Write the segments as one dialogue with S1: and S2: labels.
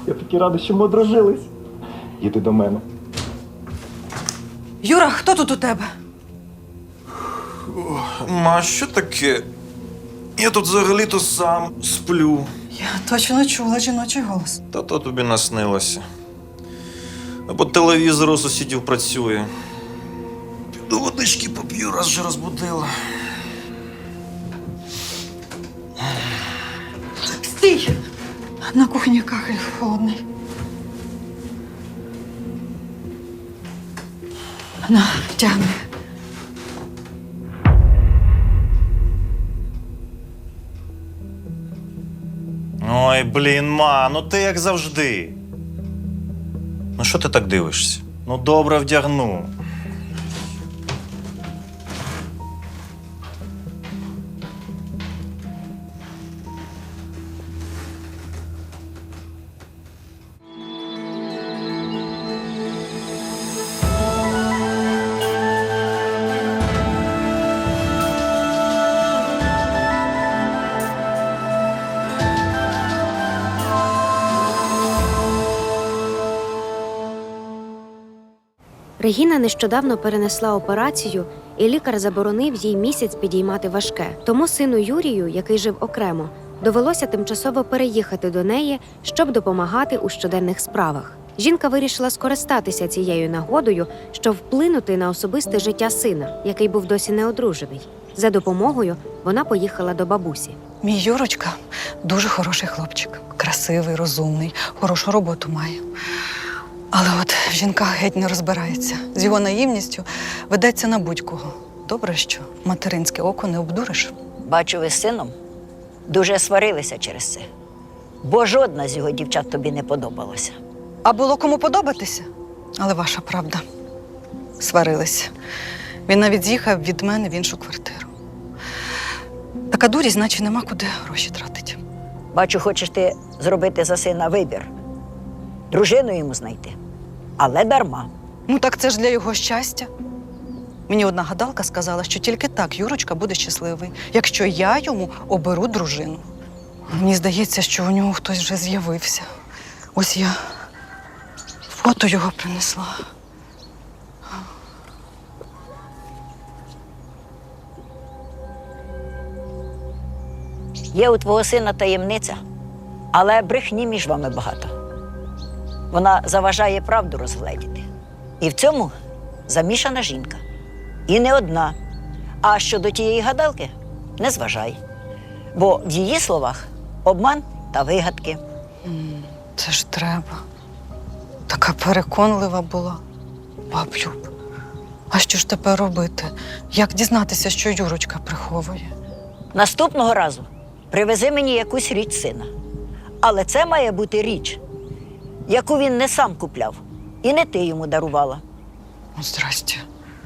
S1: Я такий радий, що ми одружились. Їди до мене.
S2: Юра, хто тут у тебе?
S3: Ма, що таке? Я тут взагалі-то сам сплю.
S2: Я точно чула жіночий голос.
S3: Та то тобі наснилося. Або телевізор у сусідів працює. Піду водички поп'ю, раз вже розбудила.
S2: Стій! На кухні кахель холодний. На, тягни.
S3: Ой, блін, ма, ну ти як завжди. Ну що ти так дивишся? Ну добре вдягну.
S4: Регіна нещодавно перенесла операцію, і лікар заборонив їй місяць підіймати важке. Тому сину Юрію, який жив окремо, довелося тимчасово переїхати до неї, щоб допомагати у щоденних справах. Жінка вирішила скористатися цією нагодою, щоб вплинути на особисте життя сина, який був досі неодружений. За допомогою вона поїхала до бабусі.
S2: Мій Юрочка дуже хороший хлопчик. Красивий, розумний, хорошу роботу має. Але от в жінках геть не розбирається. З його наївністю ведеться на будь-кого. Добре, що материнське око не обдуриш.
S5: Бачу, ви з сином дуже сварилися через це. Бо жодна з його дівчат тобі не подобалася.
S2: А було кому подобатися? Але ваша правда. Сварилися. Він навіть з'їхав від мене в іншу квартиру. Така дурість, значить, нема куди гроші тратити.
S5: Бачу, хочеш ти зробити за сина вибір. Дружину йому знайти. Але дарма.
S2: Ну так це ж для його щастя. Мені одна гадалка сказала, що тільки так Юрочка буде щасливий, якщо я йому оберу дружину. Мені здається, що у нього хтось вже з'явився. Ось я фото його принесла.
S5: Є у твого сина таємниця, але брехні між вами багато. Вона заважає правду розгледіти. І в цьому замішана жінка. І не одна. А щодо тієї гадалки – не зважай. Бо в її словах обман та вигадки.
S2: Це ж треба. Така переконлива була. Баб Люб, а що ж тепер робити? Як дізнатися, що Юрочка приховує?
S5: Наступного разу привези мені якусь річ сина. Але це має бути річ, яку він не сам купляв, і не ти йому дарувала.
S2: Ну, здрасте.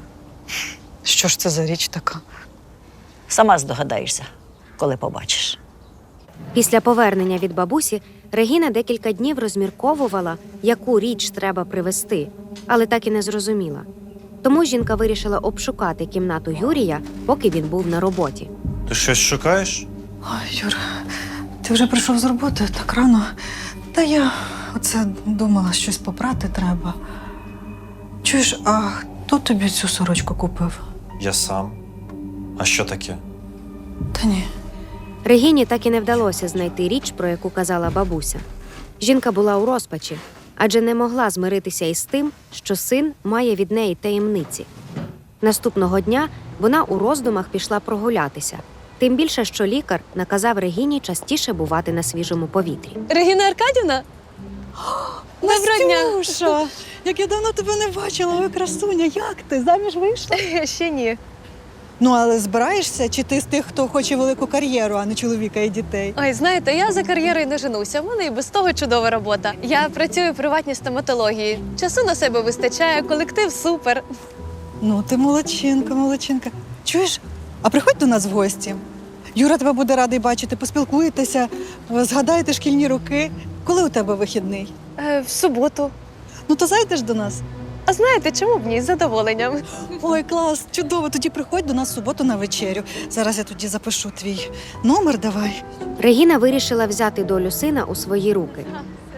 S2: Що ж це за річ така?
S5: Сама здогадаєшся, коли побачиш.
S4: Після повернення від бабусі Регіна декілька днів розмірковувала, яку річ треба привезти, але так і не зрозуміла. Тому жінка вирішила обшукати кімнату Юрія, поки він був на роботі.
S3: Ти щось шукаєш?
S2: Ой, Юр, ти вже прийшов з роботи так рано. Та я оце думала, щось попрати треба. Чуєш, а хто тобі цю сорочку купив?
S3: Я сам. А що таке?
S2: Та ні.
S4: Регіні так і не вдалося знайти річ, про яку казала бабуся. Жінка була у розпачі, адже не могла змиритися із тим, що син має від неї таємниці. Наступного дня вона у роздумах пішла прогулятися. Тим більше, що лікар наказав Регіні частіше бувати на свіжому повітрі.
S6: Регіна Аркадівна? Доброго дня!
S2: Настюша, як я давно тебе не бачила, ой, красуня, як ти? Заміж вийшла?
S6: Ще ні.
S2: Ну, але збираєшся? Чи ти з тих, хто хоче велику кар'єру, а не чоловіка і дітей?
S6: Ой, знаєте, я за кар'єрою не женуся. В мене і без того чудова робота. Я працюю в приватній стоматології. Часу на себе вистачає, колектив супер.
S2: Ну, ти молодчинка, молодчинка. Чуєш, а приходь до нас в гості. Юра тебе буде радий бачити, поспілкуєтеся, згадаєте шкільні роки. Коли у тебе вихідний?
S6: В суботу.
S2: Ну, то зайдеш до нас.
S6: А знаєте, чому б ні? З задоволенням.
S2: Ой, клас, чудово. Тоді приходь до нас в суботу на вечерю. Зараз я тоді запишу твій номер, давай.
S4: Регіна вирішила взяти долю сина у свої руки.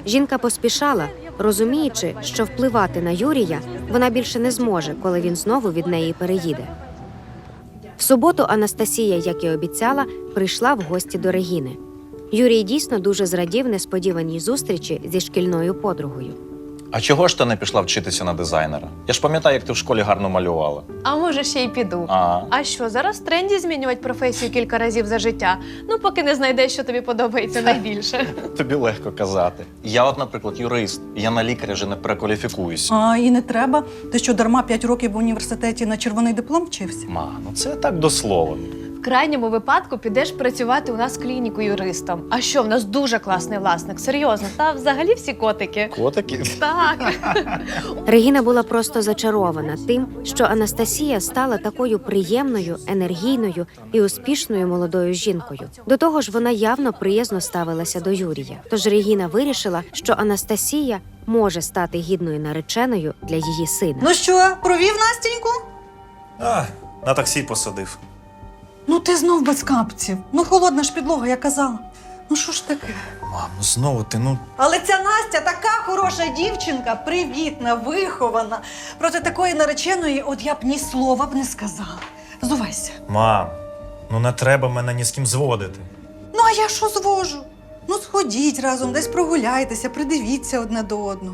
S4: Жінка поспішала, розуміючи, що впливати на Юрія вона більше не зможе, коли він знову від неї переїде. В суботу Анастасія, як і обіцяла, прийшла в гості до Регіни. Юрій дійсно дуже зрадів несподіваній зустрічі зі шкільною подругою.
S3: А чого ж ти не пішла вчитися на дизайнера? Я ж пам'ятаю, як ти в школі гарно малювала.
S6: А може, ще й піду. А що, зараз в тренді змінювати професію кілька разів за життя? Ну, поки не знайдеш, що тобі подобається найбільше.
S3: Тобі легко казати. Я от, наприклад, юрист. Я на лікаря вже не перекваліфікуюся.
S7: А, і не треба. Ти що, дарма 5 років в університеті на червоний диплом вчився?
S3: Ма, ну це так до слова.
S6: В крайньому випадку підеш працювати у нас в клініку юристом. А що, в нас дуже класний власник, серйозно. Та взагалі всі котики.
S3: Котики?
S6: Так.
S4: Регіна була просто зачарована тим, що Анастасія стала такою приємною, енергійною і успішною молодою жінкою. До того ж, вона явно приязно ставилася до Юрія. Тож Регіна вирішила, що Анастасія може стати гідною нареченою для її сина.
S7: Ну що, провів Настеньку?
S3: На таксі посадив.
S7: Ну ти знов без капців. Ну холодна ж підлога, я казала. Ну що ж таке?
S3: Мам, ну знову ти,
S7: Але ця Настя така хороша дівчинка, привітна, вихована. Проти такої нареченої от я б ні слова б не сказала. Зувайся.
S8: Мам, ну не треба мене ні з ким зводити.
S7: Ну а я що звожу? Ну сходіть разом, десь прогуляйтеся, придивіться одне до одного.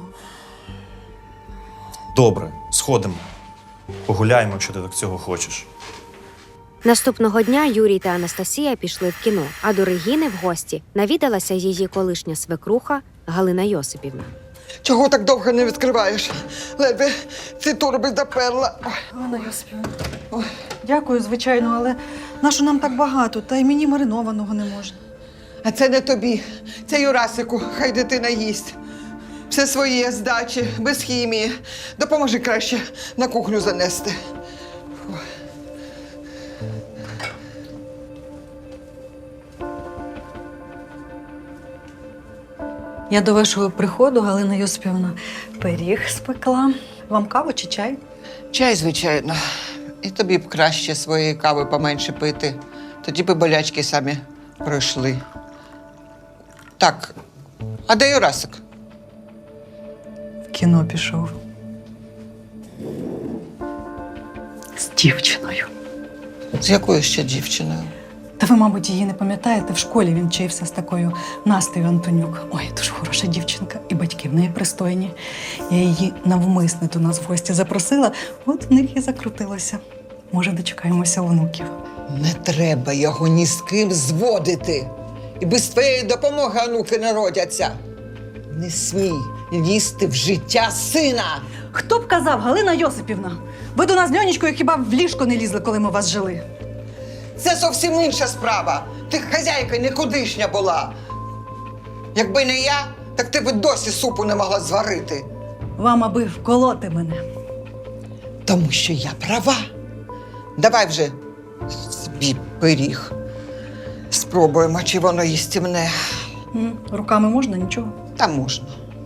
S8: Добре, сходимо. Погуляємо, якщо ти так цього хочеш.
S4: Наступного дня Юрій та Анастасія пішли в кіно, а до Регіни в гості навідалася її колишня свекруха Галина Йосипівна.
S9: Чого так довго не відкриваєш? Ледве ці торби доперла.
S7: Ганна Йосипівна. Ой, дякую, звичайно, але нащо нам так багато? Та й мені маринованого не можна.
S9: А це не тобі, це Юрасику, хай дитина їсть. Все своє, з дачі, без хімії. Допоможи краще на кухню занести.
S7: Я до вашого приходу, Галина Йосипівна, пиріг спекла. Вам каву чи чай?
S9: Чай, звичайно. І тобі б краще своєї кави поменше пити. Тоді б болячки самі пройшли. Так, а де Юрасик?
S7: В кіно пішов. З дівчиною.
S9: З якою ще дівчиною?
S7: Та ви, мабуть, її не пам'ятаєте, в школі він вчився з такою Настею Антонюк. Ой, дуже хороша дівчинка, і батьки в неї пристойні. Я її навмисне до нас в гості запросила, от в них і закрутилося. Може, дочекаємося онуків.
S9: Не треба його ні з ким зводити. І без твоєї допомоги онуки народяться. Не смій лізти в життя сина.
S7: Хто б казав, Галина Йосипівна? Ви до нас з Льонічкою хіба в ліжко не лізли, коли ми у вас жили?
S9: Це зовсім інша справа. Ти хазяйка нікудишня була. Якби не я, так ти б досі супу не могла зварити.
S7: Вам аби вколоти мене.
S9: Тому що я права. Давай вже собі пиріг. Спробуємо, чи воно їстівне.
S7: Руками можна, нічого?
S9: Та можна.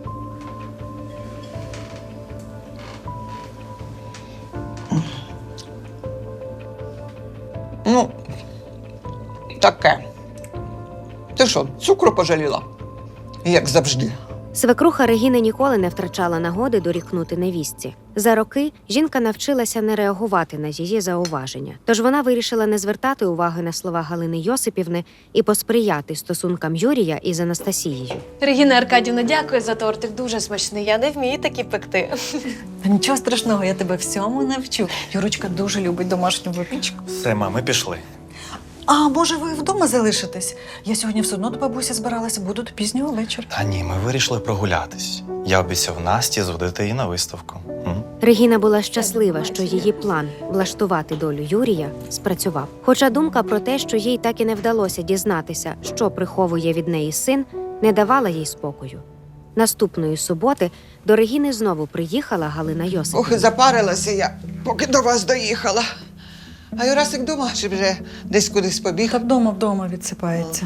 S9: Ну, таке. Ти що, цукру пожаліла? Як завжди.
S4: Свекруха Регіни ніколи не втрачала нагоди дорікнути невістці. За роки жінка навчилася не реагувати на її зауваження. Тож вона вирішила не звертати уваги на слова Галини Йосипівни і посприяти стосункам Юрія із Анастасією.
S6: Регіна Аркадівна, дякую за тортик, дуже смачний. Я не вмію такі пекти.
S7: Та нічого страшного, я тебе всьому навчу. Юрочка дуже любить домашню випічку.
S8: Все, мам, ми пішли.
S7: А може ви вдома залишитесь? Я сьогодні все одно до бабусі збиралася, буду до пізнього вечора.
S8: Та ні, ми вирішили прогулятись. Я обіцяв Насті зводити її на виставку.
S4: Регіна була щаслива, що її план влаштувати долю Юрія спрацював. Хоча думка про те, що їй так і не вдалося дізнатися, що приховує від неї син, не давала їй спокою. Наступної суботи до Регіни знову приїхала Галина Йосипівна.
S9: Ох, і запарилася я, поки до вас доїхала. А Юрасик дома чи вже десь кудись побіг?
S7: Та вдома відсипається.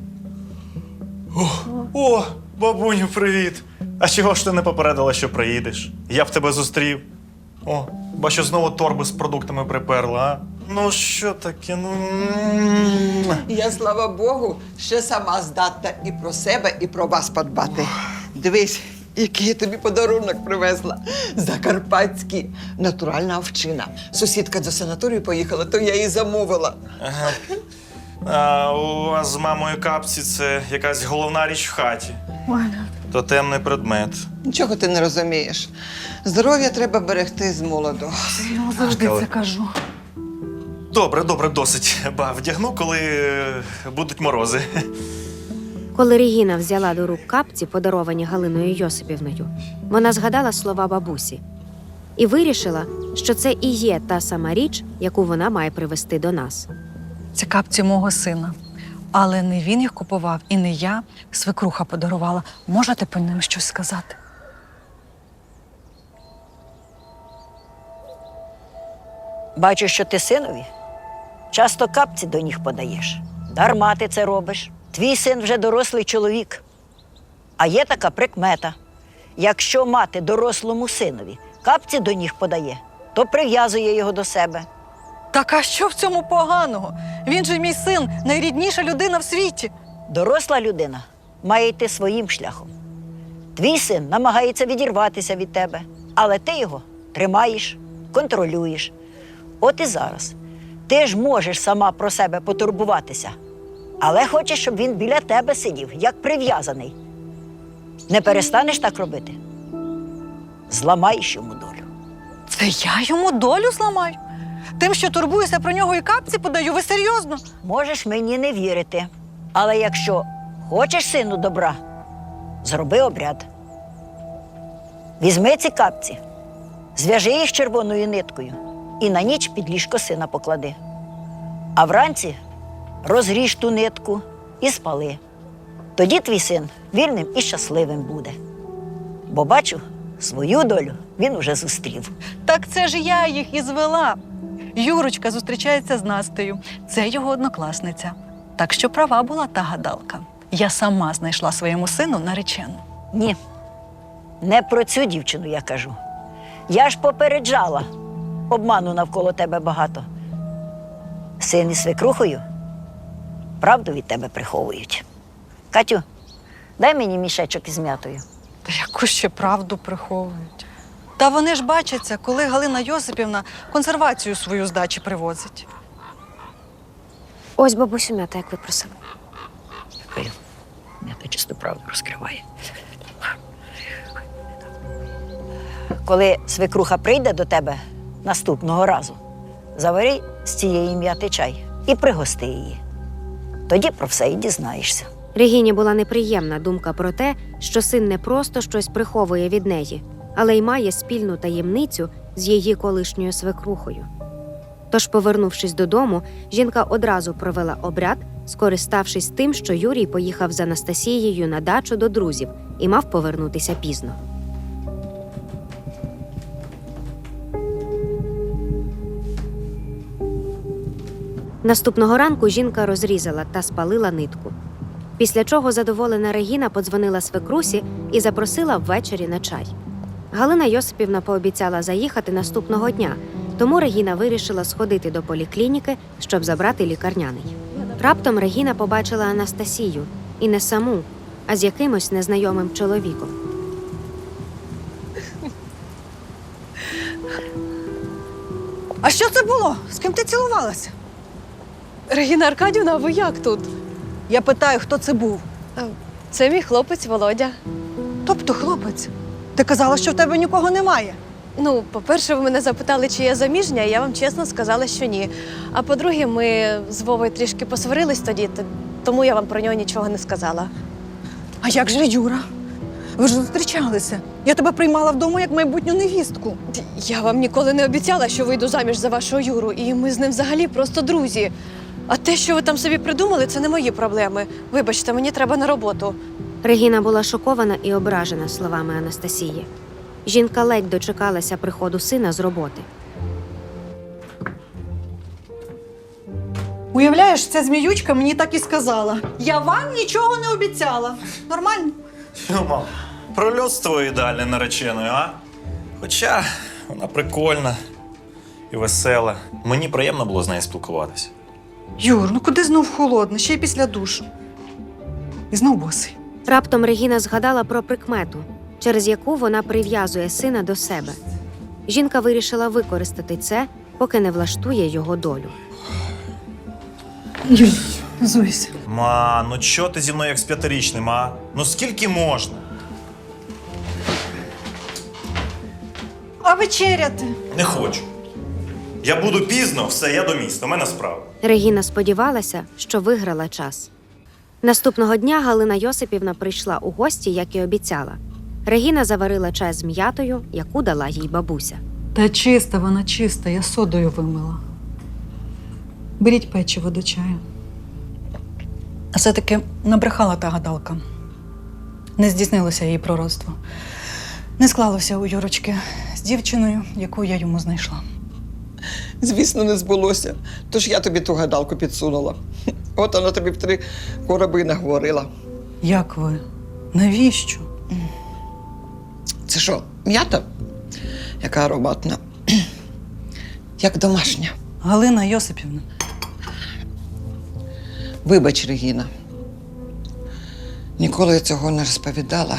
S8: О, бабуню, привіт! А чого ж ти не попередила, що приїдеш? Я б тебе зустрів. О, бачу, знову торби з продуктами приперла, а? Ну що таке?
S9: Я, слава Богу, ще сама здатна і про себе, і про вас подбати. Дивись, який я тобі подарунок привезла. Закарпатський. Натуральна овчина. Сусідка до санаторію поїхала, то я її замовила.
S8: Ага. А у вас з мамою капці це якась головна річ в хаті. То темний предмет.
S9: Нічого ти не розумієш. Здоров'я треба берегти з молоду.
S7: Я завжди це кажу.
S8: Добре, досить. Ба, вдягну, коли будуть морози.
S4: Коли Регіна взяла до рук капці, подаровані Галиною Йосипівною, вона згадала слова бабусі і вирішила, що це і є та сама річ, яку вона має привезти до нас.
S7: Це капці мого сина. Але не він їх купував, і не я. Свекруха подарувала. Можете по ним щось сказати?
S5: Бачу, що ти синові часто капці до ніг подаєш. Дарма ти це робиш. Твій син вже дорослий чоловік. А є така прикмета. Якщо мати дорослому синові капці до ніг подає, то прив'язує його до себе.
S7: Так а що в цьому поганого? Він же мій син, найрідніша людина в світі.
S5: Доросла людина має йти своїм шляхом. Твій син намагається відірватися від тебе, але ти його тримаєш, контролюєш. От і зараз. Ти ж можеш сама про себе потурбуватися, але хочеш, щоб він біля тебе сидів, як прив'язаний. Не перестанеш так робити? Зламаєш йому долю.
S7: Це я йому долю зламаю? Тим, що турбуюся про нього і капці подаю, ви серйозно?
S5: Можеш мені не вірити, але якщо хочеш сину добра, зроби обряд. Візьми ці капці, зв'яжи їх червоною ниткою і на ніч під ліжко сина поклади. А вранці розріж ту нитку і спали. Тоді твій син вільним і щасливим буде. Бо бачу, свою долю він уже зустрів.
S7: Так це ж я їх і звела. Юрочка зустрічається з Настею. Це його однокласниця. Так що права була та гадалка. Я сама знайшла своєму сину наречену.
S5: Ні, не про цю дівчину я кажу. Я ж попереджала. Обману навколо тебе багато. Син із свекрухою правду від тебе приховують. Катю, дай мені мішечок із м'ятою.
S7: Та яку ще правду приховують? Та вони ж бачаться, коли Галина Йосипівна консервацію свою з дачі привозить.
S4: Ось бабусю м'ята, як ви просили.
S5: Дякую. М'ята чисту правду розкриває. Коли свекруха прийде до тебе наступного разу, завари з цієї м'яти чай і пригости її. Тоді про все і дізнаєшся.
S4: Регіні була неприємна думка про те, що син не просто щось приховує від неї, але й має спільну таємницю з її колишньою свекрухою. Тож, повернувшись додому, жінка одразу провела обряд, скориставшись тим, що Юрій поїхав з Анастасією на дачу до друзів і мав повернутися пізно. Наступного ранку жінка розрізала та спалила нитку. Після чого задоволена Регіна подзвонила свекрусі і запросила ввечері на чай. Галина Йосипівна пообіцяла заїхати наступного дня, тому Регіна вирішила сходити до поліклініки, щоб забрати лікарняний. Раптом Регіна побачила Анастасію, і не саму, а з якимось незнайомим чоловіком.
S7: А що це було? З ким ти цілувалася?
S6: Регіна Аркадівна, а ви як тут?
S7: Я питаю, хто це був.
S6: Це мій хлопець Володя.
S7: Тобто хлопець. Ти казала, що в тебе нікого немає.
S6: Ну, по-перше, ви мене запитали, чи я заміжня, і я вам чесно сказала, що ні. А по-друге, ми з Вовою трішки посварились тоді, тому я вам про нього нічого не сказала.
S7: А як же Юра? Ви ж зустрічалися. Я тебе приймала вдома як майбутню невістку.
S6: Я вам ніколи не обіцяла, що вийду заміж за вашого Юру, і ми з ним взагалі просто друзі. А те, що ви там собі придумали, це не мої проблеми. Вибачте, мені треба на роботу.
S4: Регіна була шокована і ображена словами Анастасії. Жінка ледь дочекалася приходу сина з роботи.
S7: Уявляєш, ця зміючка мені так і сказала. Я вам нічого не обіцяла. Нормально?
S8: Мам, прольотство ідеальне нареченою, а? Хоча вона прикольна і весела. Мені приємно було з нею спілкуватися.
S7: Юр, ну куди знов холодно? Ще й після душу. І знов босий.
S4: Раптом Регіна згадала про прикмету, через яку вона прив'язує сина до себе. Жінка вирішила використати це, поки не влаштує його долю.
S7: Юль, Зуйся.
S8: Ма, ну чого ти зі мною як з п'ятирічним, а? Ну скільки можна?
S7: А вечеряти?
S8: Не хочу. Я буду пізно, все, я до міста, у мене справа.
S4: Регіна сподівалася, що виграла час. Наступного дня Галина Йосипівна прийшла у гості, як і обіцяла. Регіна заварила чай з м'ятою, яку дала їй бабуся.
S7: Та чиста вона чиста, я содою вимила. Беріть печиво до чаю. А все-таки набрехала та гадалка. Не здійснилося її пророцтво. Не склалося у Юрочки з дівчиною, яку я йому знайшла.
S9: Звісно, не збулося. Тож я тобі ту гадалку підсунула. От вона тобі в 3 короби наговорила.
S7: Як ви? Навіщо?
S9: Це що, м'ята? Яка ароматна. Як домашня.
S7: Галина Йосипівна.
S9: Вибач, Регіна. Ніколи я цього не розповідала.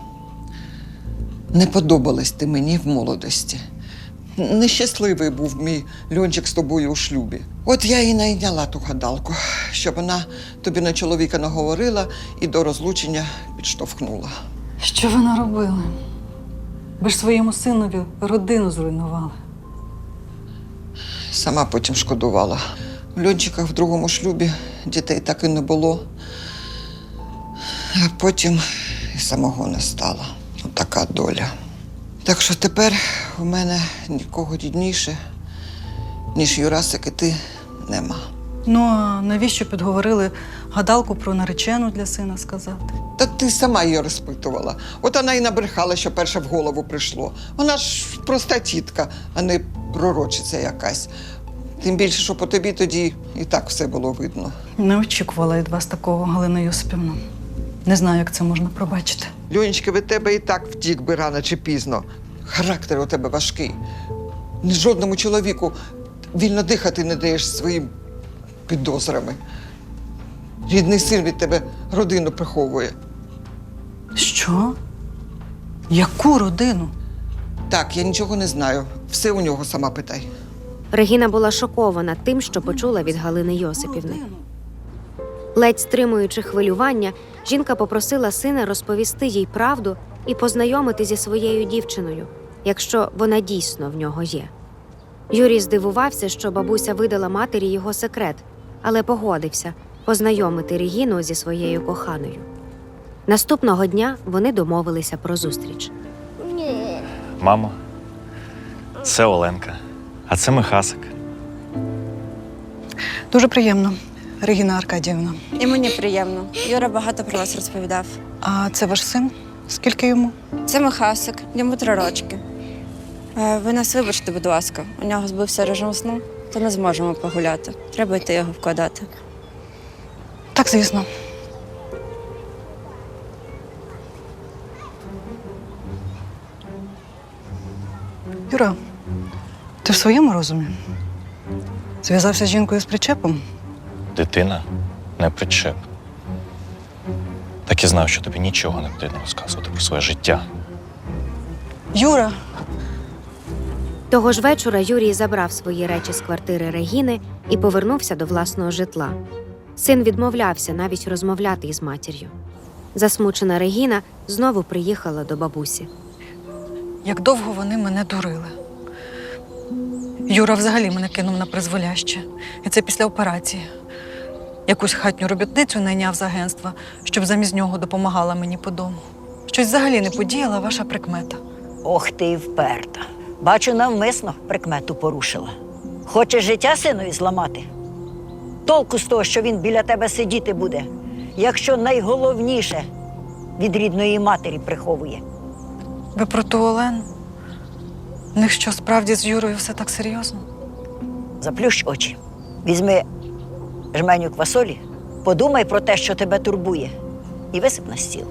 S9: Не подобалась ти мені в молодості. Нещасливий був мій Льончик з тобою у шлюбі. От я і найняла ту гадалку, щоб вона тобі на чоловіка наговорила і до розлучення підштовхнула.
S7: Що ви наробили? Ви ж своєму синові родину зруйнували.
S9: Сама потім шкодувала. В Льончика в другому шлюбі дітей так і не було. А потім і самого не стало. Така доля. Так що тепер у мене нікого рідніше, ніж Юрасик і ти, нема.
S7: Ну, а навіщо підговорили гадалку про наречену для сина сказати?
S9: Та ти сама її розпитувала. От вона і набрехала, що перше в голову прийшло. Вона ж проста тітка, а не пророчиця якась. Тим більше, що по тобі тоді і так все було видно.
S7: Не очікувала від вас такого, Галина Йосипівна. Не знаю, як це можна пробачити.
S9: Льонечка, від тебе і так втік би рано чи пізно. Характер у тебе важкий. Ні жодному чоловіку вільно дихати не даєш своїм підозрами. Рідний син від тебе родину приховує.
S7: Що? Яку родину?
S9: Так, я нічого не знаю. Все у нього сама питай.
S4: Регіна була шокована тим, що почула від Галини Йосипівни. Ледь стримуючи хвилювання, жінка попросила сина розповісти їй правду і познайомити зі своєю дівчиною, якщо вона дійсно в нього є. Юрій здивувався, що бабуся видала матері його секрет, але погодився познайомити Регіну зі своєю коханою. Наступного дня вони домовилися про зустріч.
S3: Мамо, це Оленка, а це Михасик.
S7: Дуже приємно, Регіна Аркадіївна.
S10: І мені приємно. Юра багато про вас розповідав.
S7: А це ваш син? Скільки йому?
S10: Це Михасик, йому 3 рочки. Ви нас вибачте, будь ласка. У нього збився режим сну, то не зможемо погуляти. Треба йти його вкладати.
S7: Так, звісно. Юра, ти в своєму розумі? Зв'язався з жінкою з причепом?
S3: Дитина не причеп. Так і знав, що тобі нічого не потрібно розказувати про своє життя.
S7: Юра!
S4: Того ж вечора Юрій забрав свої речі з квартири Регіни і повернувся до власного житла. Син відмовлявся навіть розмовляти із матір'ю. Засмучена Регіна знову приїхала до бабусі.
S7: Як довго вони мене дурили. Юра взагалі мене кинув на призволяще. І це після операції. Якусь хатню робітницю найняв з агентства, щоб замість нього допомагала мені по дому. Щось взагалі не подіяла ваша прикмета.
S5: Ох ти й вперта. Бачу, навмисно прикмету порушила. Хочеш життя синові зламати? Толку з того, що він біля тебе сидіти буде, якщо найголовніше від рідної матері приховує.
S7: Ви про ту Олену? В них що, справді з Юрою все так серйозно?
S5: Заплющ очі. Візьми жменю квасолі, подумай про те, що тебе турбує, і висип на стіл.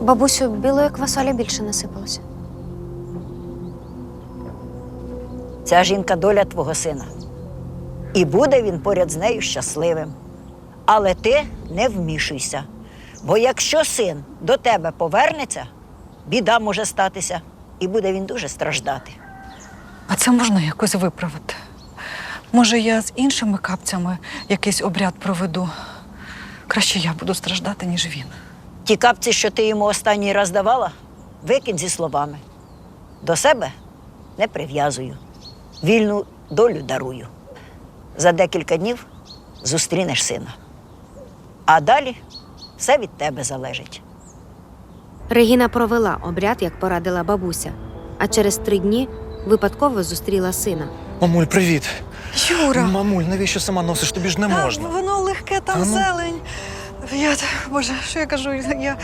S4: Бабусю, білої квасолі більше насипалося.
S5: Ця жінка доля твого сина. І буде він поряд з нею щасливим. Але ти не вмішуйся. Бо якщо син до тебе повернеться, біда може статися, і буде він дуже страждати.
S7: А це можна якось виправити. Може, я з іншими капцями якийсь обряд проведу. Краще я буду страждати, ніж він.
S5: Ті капці, що ти йому останній раз давала, викинь зі словами. До себе не прив'язую. Вільну долю дарую. За декілька днів зустрінеш сина. А далі все від тебе залежить.
S4: Регіна провела обряд, як порадила бабуся, а через 3 дні випадково зустріла сина.
S8: Мамуль, привіт.
S7: Юра!
S8: Мамуль, навіщо сама носиш? Тобі ж не можна.
S7: Воно легке, там
S8: А ну.
S7: зелень. Боже, що я кажу?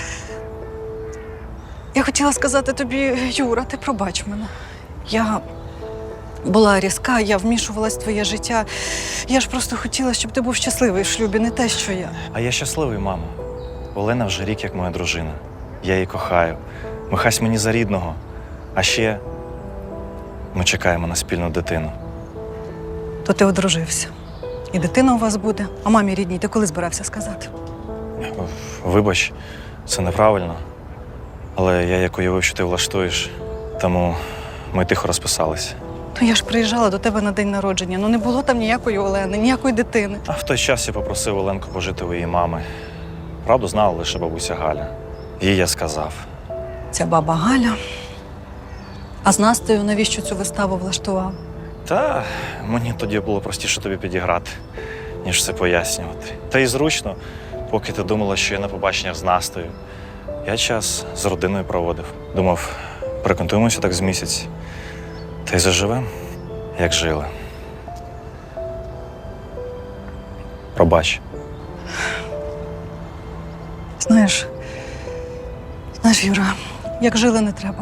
S7: Я хотіла сказати тобі, Юра, ти пробач мене. Я була різка, я вмішувалась в твоє життя. Я ж просто хотіла, щоб ти був щасливий в шлюбі, не те, що я.
S8: А я щасливий, мамо. Олена вже рік як моя дружина. Я її кохаю. Михась мені за рідного. А ще ми чекаємо на спільну дитину.
S7: То ти одружився. І дитина у вас буде. А мамі рідній ти коли збирався сказати?
S8: Вибач, це неправильно. Але я як уявив, що ти влаштуєш, тому ми тихо розписалися.
S7: Ну я ж приїжджала до тебе на день народження. Ну не було там ніякої Олени, ніякої дитини.
S8: А в той час я попросив Оленку пожити у її мами. Правду знала лише бабуся Галя. Їй я сказав.
S7: Ця баба Галя. А з Настею навіщо цю виставу влаштував?
S8: Та мені тоді було простіше тобі підіграти, ніж все пояснювати. Та й зручно, поки ти думала, що я на побаченнях з Настею. Я час з родиною проводив. Думав, переконтуємося так з місяць. Та й заживем, як жили. Пробач.
S7: Знаєш, Юра, як жили не треба.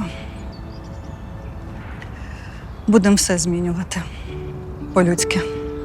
S7: Будемо все змінювати. По-людськи.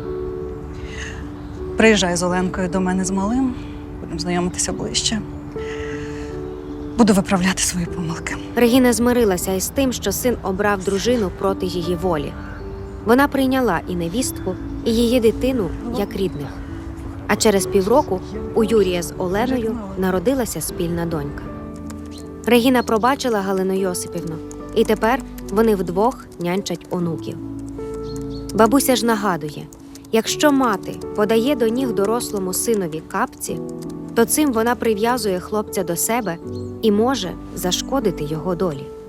S7: Приїжджай з Оленкою до мене з малим, будемо знайомитися ближче. Буду виправляти свої помилки.
S4: Регіна змирилася із тим, що син обрав дружину проти її волі. Вона прийняла і невістку, і її дитину як рідних. А через півроку у Юрія з Оленою народилася спільна донька. Регіна пробачила Галину Йосипівну, і тепер вони вдвох нянчать онуків. Бабуся ж нагадує, якщо мати подає до ніг дорослому синові капці, то цим вона прив'язує хлопця до себе і може зашкодити його долі.